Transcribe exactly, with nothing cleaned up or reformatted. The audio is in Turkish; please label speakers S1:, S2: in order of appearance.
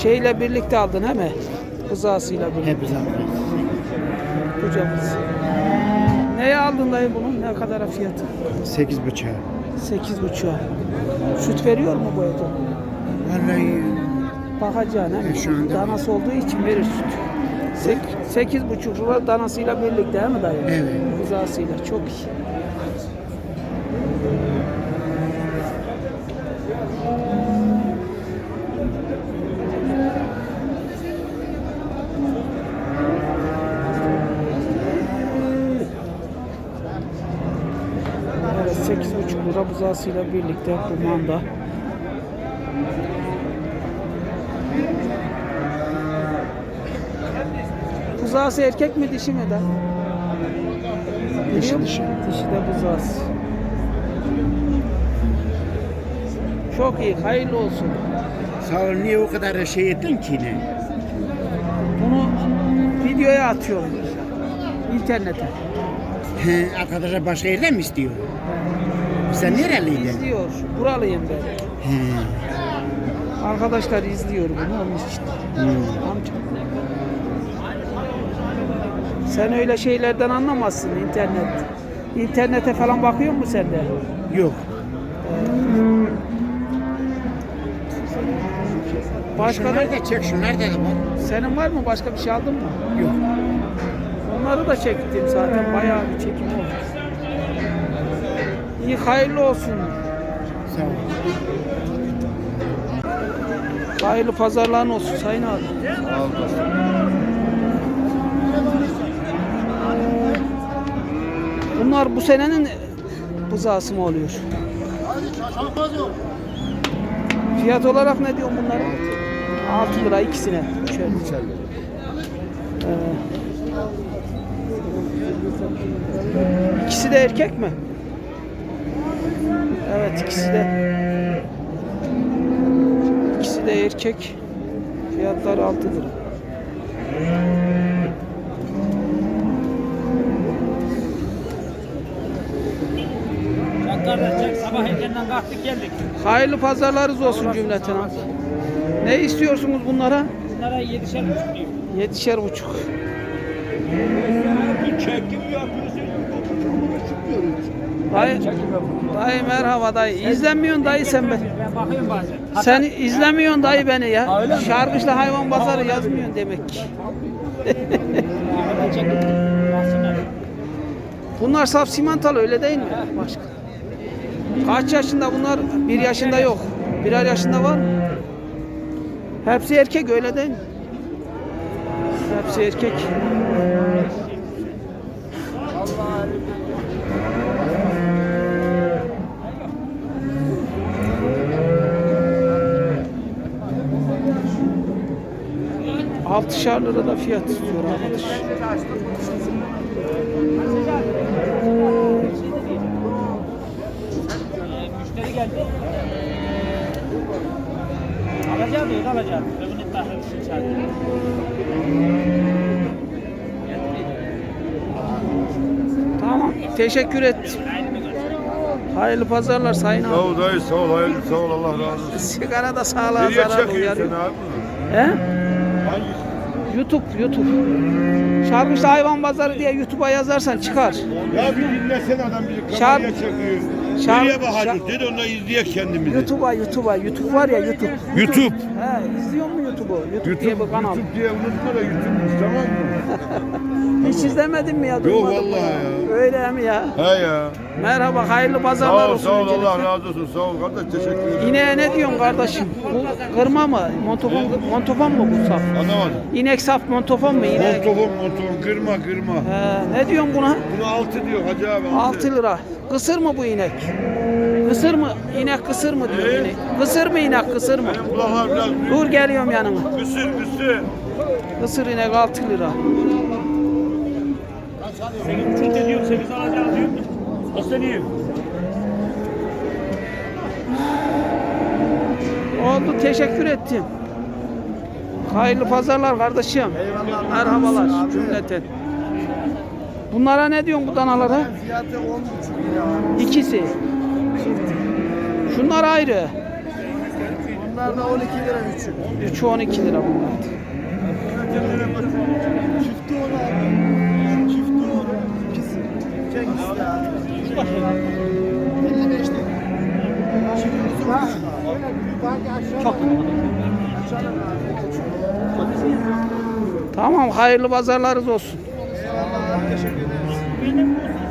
S1: Şeyle birlikte aldın he mi? Kızasıyla birlikte.
S2: Hep zaten.
S1: Kocamız. Neye aldın dayı bunu? Ne kadar fiyatı?
S2: Sekiz bıçağı.
S1: Sekiz buçuğa. Süt veriyor mu bu ete?
S2: Vallahi
S1: Bakacaksın he mi?
S2: E, şu anda-
S1: Danası olduğu için verir süt. Sek, sekiz buçuk lira danasıyla birlikte he mi dayı?
S2: Evet.
S1: Kızasıyla çok iyi. Evet, sekiz buçuk lira buzağısıyla birlikte kumanda. Buzağısı erkek mi dişi mi de?
S2: Dişi,
S1: Biliyor
S2: dişi.
S1: musun? Dişi de buzağısı. Çok iyi, hayırlı olsun.
S2: sağ ol, niye o kadar şey ettin ki ne?
S1: Bunu videoya atıyorum. İnternete.
S2: He, arkadaşlar başka yerden mi istiyor? Sen nereliydin?
S1: İzliyor. Buralıyım ben.
S2: He.
S1: Arkadaşlar izliyor bunu onun için.
S2: Hmm.
S1: Amca. Sen öyle şeylerden anlamazsın internet. İnternete falan bakıyor musun sen de?
S2: Yok.
S1: Başka da
S2: Şunları da çek, şunlar da var.
S1: senin var mı? Başka bir şey aldın mı?
S2: Yok.
S1: Onları da çektim zaten. Bayağı bir çekim oldu. İyi hayırlı olsun.
S2: Sağ ol.
S1: Hayırlı pazarların olsun Sayın abi. Bunlar bu senenin buzağısı mı oluyor? Fiyat olarak ne diyorsun bunlara? altı lira ikisine. Şöyle. Ee, ikisi de erkek mi? Evet, ikisi de. İkisi de erkek. Fiyatlar altı lira.
S3: Kardeşler sabah erkenden kalktık geldik.
S1: Hayırlı pazarlarınız olsun cümleten. Ne istiyorsunuz bunlara?
S3: Bunlara yedişer buçuk diyor.
S1: Yedişer buçuk.
S3: Çekim yapıyorsun.
S1: Dayı, dayı merhaba dayı. İzlemiyorsun dayı sen beni.
S3: Ben bakıyorum bazen.
S1: Sen izlemiyorsun dayı beni ya.
S3: Öyle mi?
S1: Şarkışla hayvan pazarı yazmıyorsun demek ki.
S3: Hatta çekim. Baksınlar.
S1: Bunlar saf simantalı öyle değil mi? Başka. Kaç yaşında bunlar? Bir yaşında yok. Birer yaşında var mı? Hepsi erkek öyle değil mi? Hepsi erkek. Altışar lira da fiyat istiyor arkadaş.
S3: Müşteri geldi. Alacağım diyor, alacağım. Ben bunu iddiasını çağırdım.
S1: Tamam. Teşekkür et. Hayırlı pazarlar Sayın
S4: Sağ
S1: abi.
S4: ol dayı, sağ ol, hayırlı sağ ol, Allah razı olsun.
S1: Sigara da sağlığa
S4: Nereye
S1: zarar
S4: çekiyorsun
S1: uyarıyor.
S4: sen abi?
S1: He?
S4: Hangisi?
S1: YouTube, YouTube. Şarkışlı hayvan pazarı diye YouTube'a yazarsan çıkar.
S4: Ya bir dinlesene adam bizi
S1: Şar-
S4: kameraya çekiyor.
S1: Şar-
S4: Nereye bakacağız?
S1: Şar-
S4: Dedi onunla izleyek kendimizi.
S1: YouTube'a, YouTube'a. YouTube var ya YouTube.
S4: YouTube.
S1: He, izliyor mu YouTube'u? YouTube,
S4: YouTube,
S1: diye bir kanal.
S4: YouTube diye unutma da YouTube'muş, tamam mı?
S1: Hiç izlemedin mi ya?
S4: Yok
S1: Duymadın mı
S4: vallahi ya.
S1: Öyle mi ya?
S4: He ya.
S1: Merhaba, hayırlı pazarlar
S4: Sağ ol,
S1: olsun.
S4: sağ ol,
S1: öncelikle.
S4: Allah razı olsun. Sağ ol kardeş, teşekkür ederim.
S1: İneğe ne diyorsun kardeşim? Bu kırma mı? Montofon, montofon mu bu saf?
S4: Anlamadım.
S1: İnek saf montofon mu inek?
S4: Montofon, montofon, kırma, kırma.
S1: He, ne diyorsun buna?
S4: Bunu altı diyor Hacı abi.
S1: altı lira. Kısır mı bu inek? Kısır mı? İnek kısır mı diyor
S4: Ee?
S1: inek? Kısır mı inek kısır mı?
S4: Benim kulaklar biraz büyük.
S1: Dur geliyorum yanına.
S4: Kısır, kısır.
S1: Kısır inek altı lira.
S3: Sekiz buçuk diyor, sekiz alacağım diyor. İsteniyor.
S1: Oldu, teşekkür ettim. Hayırlı pazarlar kardeşim. Merhabalar cümleten. Bunlara ne diyorsun bu danalara?
S2: Fiyatı on buçuk lira.
S1: İkisi. Şunlar ayrı.
S5: Bunlar da on iki lira üçü.
S1: Üçü on iki lira bunlar.
S5: Çifti on abi. Çifti on. İkisi. Çek işte abi. elli beş lira. Çiftimiz var. Çok.
S1: Tamam, hayırlı pazarlarınız olsun.
S5: Eyvallah. Teşekkür ederiz.